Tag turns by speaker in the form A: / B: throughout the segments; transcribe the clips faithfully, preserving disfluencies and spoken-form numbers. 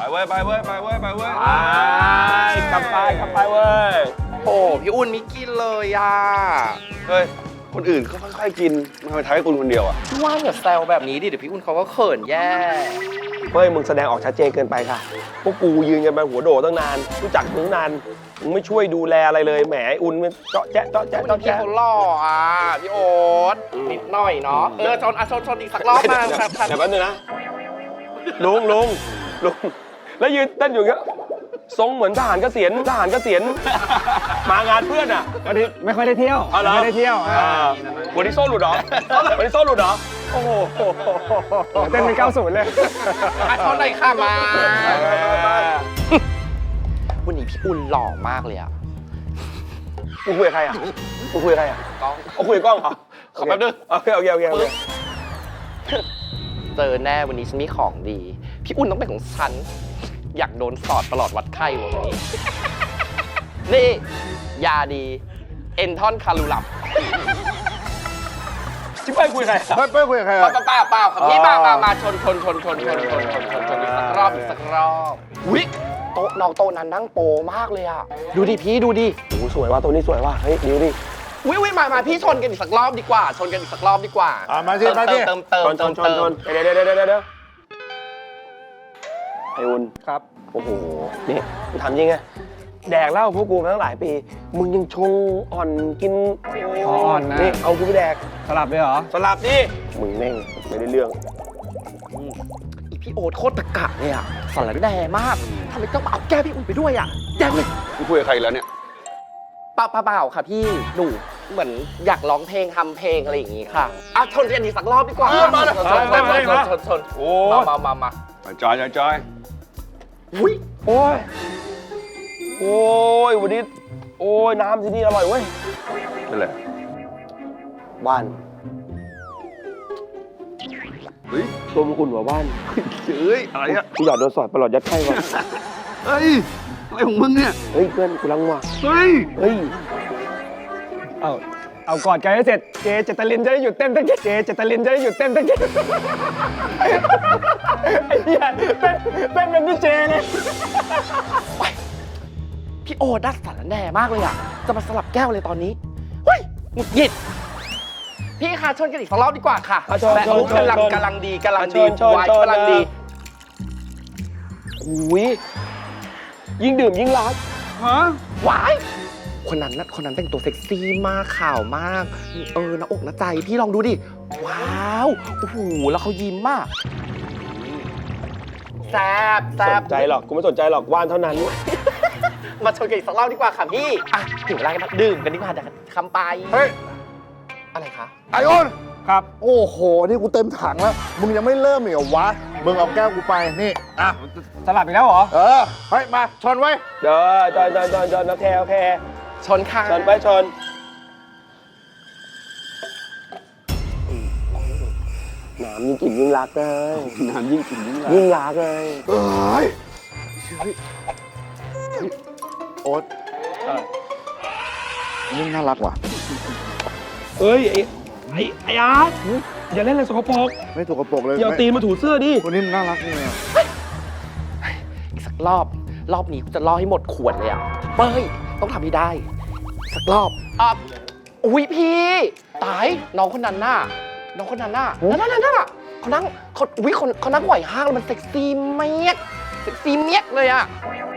A: เว้ยไปเว้ยไปเว้ยไปเว้ยไปกลับไปกลับไปเว้ย
B: โอ้พี่อุ่นไม่กินเลยอ่ะ
A: เฮ้ยคนอื่นก็ค่อยๆกินทำไมท้ายคุณคนเดียวอ่ะ
B: พี่ว่าอย่าแซวแบบนี้ดิเดี๋ยวพี่อุ่นเขาก็เขินแย่
A: เฮ้ยมึงแสดงออกชัดเจนเกินไปค่ะพวกกูยืนกันไปหัวโดตั้งนานรู้จักมึงนานมึงไม่ช่วยดูแลอะไรเลยแหมไอ้อุ่นมันเจาะแจ๊ะเจาะแจ๊ะ
B: พี่
A: เจาะแจ๊ะ
B: เขาหล่ออ่ะพี่โอ๊ตนิดหน่อยเนาะเออชนอ่ะชนชนอีกสักรอบมาครับครับ
A: เดี๋ยวแป๊บนึงนะลุงลุงลุงแล้วยืนเต้นอยู่อย่างเงี้ยทรงเหมือนทหารเกษียณทหารเกษียณมางานเพื่อนอ่ะ
C: วันนี้ไม่ค่อยได้เที่ยว
A: เอาเหรอ
C: ไม่ได้เที่ยว
A: อ่าวันนี้โซ่หลุดเหรอวันนี้โซ่หลุดเหรอโอ้โห
C: เต้นเป็นเก้าสิบเลย
B: อ่ะชนหน่อยค่ะมา
A: ไปไปไป
B: วันนี้พี่อุ่นหล่อมากเลยอ่ะ
A: มึงคุยกับใครอ่ะมึงคุยกับใครอ่ะ
B: กล้อง
A: เอาคุยกับกล้องเหรอ
B: ขอแป๊บนึง
A: โอเคโอเคโอเคโอเค
B: เจอแน่วันนี้ฉันมีของดี พี่อุ่นต้องเป็นของฉัน อยากโดนสอดตลอดวัดไข้วันนี้ นี่ยาดี เอนทอนคารูลับ
A: ชิบไปคุยกับใครอ่ะ
D: เฮ้ยเป้ยคุยกับใคร
B: เปล่า
D: อ่ะ
B: เปล่าเปล่าครับพี่มามามาชนชนชนชนชนชนชนชนชนอีกสักรอบอีกสักรอบวิโต๊ะน้องโต๊ะนั้นนั่งโปมากเลยอ่ะ ดูดิพี่ดูดิ
A: โอ้โหสวยว่ะตัวนี้สวยว่ะเฮ้ยดิวดิ
B: วิวิมามาพี่ชนกันอีกสักรอบดีกว่า ชนกันอีกสักรอบดีกว่า
D: อ่ะมาสิมาสิ
B: เติมเติม
A: ช
B: เติ
A: น
B: ม
A: ช
B: เติ
A: น
B: ม
A: ชน
B: เติม
A: ชนเดี๋ยวเดี๋ยวเดี๋ยวเดี๋ยวไออุ่น
C: ครับ
A: โอ้โหนี่กูถามจริงไงแดกเหล้าพวกกูมาตั้งหลายปี มึงยังชงอ่อนกิน
C: อ่อนนะ
A: นี่เอากูไปแดก
C: สลับเลยเหรอ
A: สลับดิมึงแม่งไม่ได้เรื่อง
B: อีพี่โอ๊ตโคตรตะกะเลยอ่ะสารแดงมากทำไมต้องมาเอาแก้พี่อุ่นไปด้วยอ่ะแย่เลย
A: มึงคุยกับใครแล้วเนี่ย
B: เปล่าเปล่าเปล่าค่ะพี่หนูเหมือนอยากร้องเพลงทำเพลงอะไรอย่างงี้ค่ะอ่ะชนกันอีกสักรอบดีกว่า
A: เออมาเลย
B: ชนชนชนชนชนชน
A: โอ้
B: มามามามา
A: จอยจอยจอย
B: อุ้ย
A: โอ้ยโอ้ยวันนี้โอ้ยน้ำที่นี่อร่อยเว้ยเป็นไรบ้านเฮ้ยตัวมันอุ่นกว่าบ้าน
D: เฮ้ยอะไรอ่ะ
A: กูอยากโดนสอดประหลอดยัดไข้ว่ะ
D: เฮ้ยอะไรของมึงเนี่ย
A: เฮ้ยเพื่อนกูรังว่ะ
D: เฮ้ย
A: เฮ้ย
C: เอาเอากอดกันให้เสร็จ เจเจตลินจะได้หยุดเต้นตะกี้เจเจตลินจะได้หยุดเต้นตะกี้ไอ้เหี้ยเต้นเต้นเป็นพี่เจเลย
B: พี่โอ๊ตดัดสารแดงมากเลยอ่ะจะมาสลับแก้วเลยตอนนี้เฮ้ยหงุดหงิดพี่คะชนกันอีกสักรอบดีกว่าค่ะ
A: อ่ะชน
B: แบบ
A: ชน
B: มุก
A: ชน
B: กำลัง
A: ชน
B: กำลังดีกำลัง
A: อ่ะช
B: ดี
A: นชน
B: วาย
A: ชน
B: กำลังดี
A: อุ้ยยิ่งดื่มยิ่งรัก
D: ฮะ
B: วายคนนั้นนะคนนั้นแต่งตัวเซ็กซี่มากข่าวมากเออหน้าอกหน้าใจพี่ลองดูดิว้าวโอ้โหแล้วเขายิ้มมากแซบแซ
A: ส
B: บ
A: นใจหรอกกูไม่สนใจหรอกว่านเท่านั้น
B: มาชนกันอีกสักรอบดีกว่าค่ะพี่อ่ะถึงเวลากันดื่มกันดีกว่าเดี๋ยวคำไป
D: เฮ้ย
B: อะไรคะ
D: ไอออน
C: ครับ
D: โอ้โห นี่กูเต็มถังแล้ว มึงยังไม่เริ่มอีกเหรอวะ มึงเอาแก้วกูไป นี่ อ่ะ
C: สลับอีกแล้วเหรอ
D: เออ เฮ้ย มา ชนไว้
A: เด้อจอนจอนจอนจอนโอเคโอเค
B: ชนค่ะ
A: ชนไปชนน้ำยิ่งกินยิ่งรักเลยน้ำยิ่งกินยิ่งรักยิ่งรักเลย
D: เอ้ยเฮ้ยโอ๊ตนี่น่ารักว่ะ
A: เอ้ยไอ้ไอ้ไอ้อาร์ตอย่าเล่นอะไรสกปรก
D: ไม่ถูกกระโปรงเลย
A: อย่าเอาตีนมาถูเสื้อดิ
D: คนนี้มันน่ารักนี่อ่ะ
B: อีกสักรอบ รอบนี้กูจะล่อให้หมดขวดเลยอ่ะเป้ยต้องทำให้ได้อีกสักรอบอ่ะอุ้ยพี่ตายน้องคนนั้นน่ะน้องคนนั้นน่ะนั่นนั่นนั่นน่ะเขานั่งเขาอุ้ยคนเขานั่งไหวห้างแล้วมันเซ็กซี่เมียกเซ็กซี่เมียกเลยอ่ะ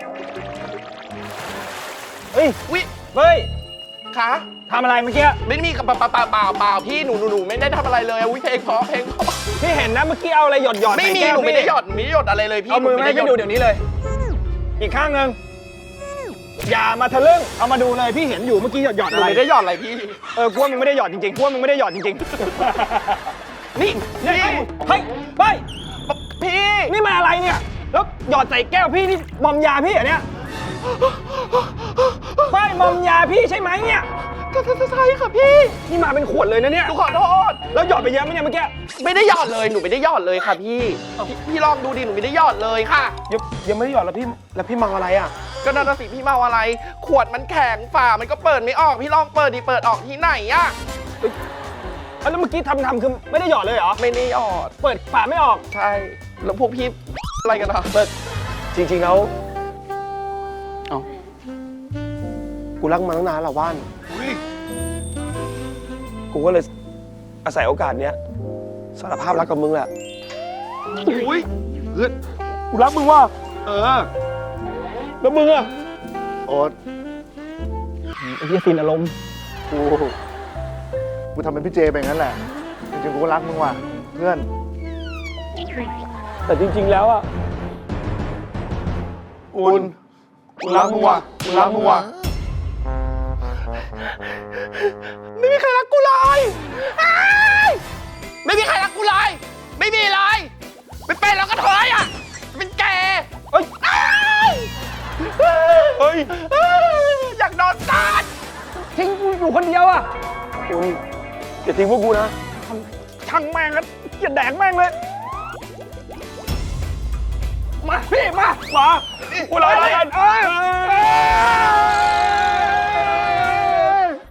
C: เฮ้ย
B: อุ้ย
C: เฮ้ย
B: คะ
C: ทำอะไรเมื่อกี้
B: ไม่มีกับเปล่าเปล่าเปล่าเปล่าพี่หนูหนูหนูไม่ได้ทำอะไรเลยอุ้ยเพลงเพราะเพลงเพราะ
C: พี่เห็นนะเมื่อกี้เอาอะไรหยดหยด
B: ไม่
C: ใส่
B: มี
C: แก้ว
B: หนูไม่ได้
C: พี่
B: หยอดหนูไม่ได้หยอดอะไรเลยพี่
C: เอามือมาให้พี่ดูเดี๋ยวนี้เลย อีกข้างหนึ่งอย่ามาทะลึ่งเอามาดูเลยพี่เห็นอยู่เมื่อกี้หยดหยด
B: ห
C: อะ
B: นู
C: ไร
B: ไม่ได้หยอดอะไรพี่
C: เออกูว่ามึงไม่ได้หยอดจริงๆกูว่ามึงไม่ได้หยอดจริง
B: นี่
C: ๆ
B: นี่
C: เฮ้ยเฮ้ย
B: พี่
C: นี่มันอะไรเนี่ยแล้วหยอดใส่แก้วพี่นี่มอมยาพี่เหรอเนี่ยเฮ้ยมอมยาพี่ใช่ไหมเนี่ย
B: ก็ใช่ค่ะพี่
C: นี่มาเป็นขวดเลยนะเนี่ย
B: หนูขอโทษ
C: แล้วหยอดไปเยอะไหมเนี่ยเมื่อกี้
B: ไม่ได้หยอดเลยหนูไม่ได้หยอดเลยค่ะพี่พี่พี่ลองดูดิหนูไม่ได้หยอดเลยค่ะ
A: ยังยังไม่ได้หยอดแล้วพี่แล้วพี่เมาอะไรอ่ะ
B: ก็นั่นนะสิพี่เมาอะไร ขวดมันแข็งฝามันก็เปิดไม่ออกพี่ลองเปิดดิเปิดออกที่ไหนอะ
C: แล้วเมื่อกี้ทำทำคือไม่ได้หยอดเลยเหรอ
B: ไม่ได้หยอด
C: เปิดฝาไม่ออก
B: ใช่แล้วพวกพี่อะไรกันอะ
A: เปิดจจริงๆแล้ว
B: เอ้า
A: กูรักมันตั้งนานแล้วว่านกูก็เลยอาศัยโอกาสเนี้ยสารภาพรักกับมึงแหละ
C: อุ้ยเพื่อน
A: กูรักมึงว่ะ
C: เออ
A: แล้วมึงอะ
D: โอ๊ต
C: ไอ้เหี้ยสินอารมณ์
D: กูกูทำเป็นพี่เจไปงั้นแหละ จริงๆกูก็รักมึงว่ะเพื่อน
A: แต่จริงๆแล้วอะ
D: อุ่นกูรักมึงว่ะกูรักมึงว่ะ
B: ไม่มีใครรักกูเลยอ้ายไม่มีใครรักกูเลย ไม่มีเลย ไม่เป็นแล้วก็เถอยอ่ะ เป็นแกเอ้ยอ้าย
A: เฮ้ย
B: อยากนอนตาดทิ้งกูอยู่คนเดียวอ่ะ
A: อุ่นอย่าทิ้งพวกกูนะ
C: ช่างแม่งแล้วอย่าแดกแม่งเลย
B: มาพี่มา
A: มากูรอแล้วกัน
C: เออ